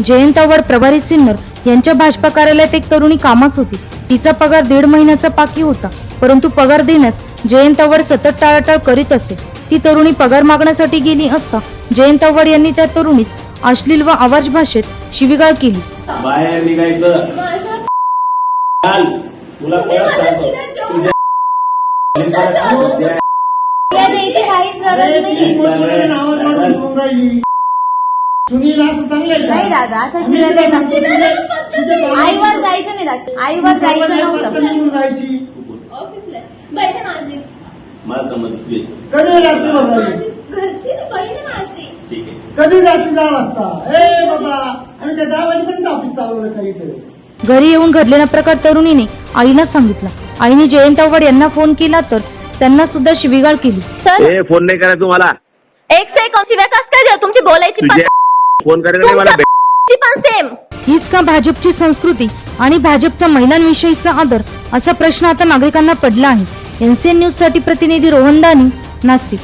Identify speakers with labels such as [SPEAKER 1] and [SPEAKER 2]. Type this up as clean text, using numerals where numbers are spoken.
[SPEAKER 1] जयंत आव्हाड, प्रभारी सिन्नर यांच्या भाजपा कार्यालयात एक तरुणी कामास होती. तिचा पगार 1.5 महिन्याचा बाकी होता, परंतु पगार देण्यास जयंत आव्हाड सतत टाळाटाळ करीत असे. ती तरुणी पगार मागण्यासाठी गेली असता जयंत आव्हाड यांनी त्या तरुणीस अश्लील व आवाज भाषेत शिवीगाळ केली.
[SPEAKER 2] बाहेर निघायचं. चाल, तुला
[SPEAKER 3] नाही दादा, असं शिवाय आईवर जायचं नाही दादा, आईवर जायचं नव्हतं. ऑफिसला बहीण माझी,
[SPEAKER 2] मला समज
[SPEAKER 4] कधी रात्री बघायची,
[SPEAKER 3] घरची बहीण माझी.
[SPEAKER 2] ठीक आहे.
[SPEAKER 4] कधी रात्री जाण असता. ए बाबा, आम्ही त्या 10 वाजेपर्यंत ऑफिस चालवलं काहीतरी.
[SPEAKER 1] घरी येऊन घडलेला प्रकार तरुणीने आईला सांगितला. आईने जयंत आव्हाड यांना फोन केला तर त्यांना सुद्धा शिवीगाळ केली.
[SPEAKER 5] सर,
[SPEAKER 2] फोन नाही करायचा तुम्हाला.
[SPEAKER 5] एक सेकंड कसं काय तुमची बोलायची
[SPEAKER 2] फोन करायला मला
[SPEAKER 5] पण सेम.
[SPEAKER 1] हीच का भाजपची संस्कृती आणि भाजपचा महिलांविषयीचा आदर, असा प्रश्न आता नागरिकांना पडला आहे. एनसीएन न्यूज साठी प्रतिनिधी रोहन दानी, नाशिक.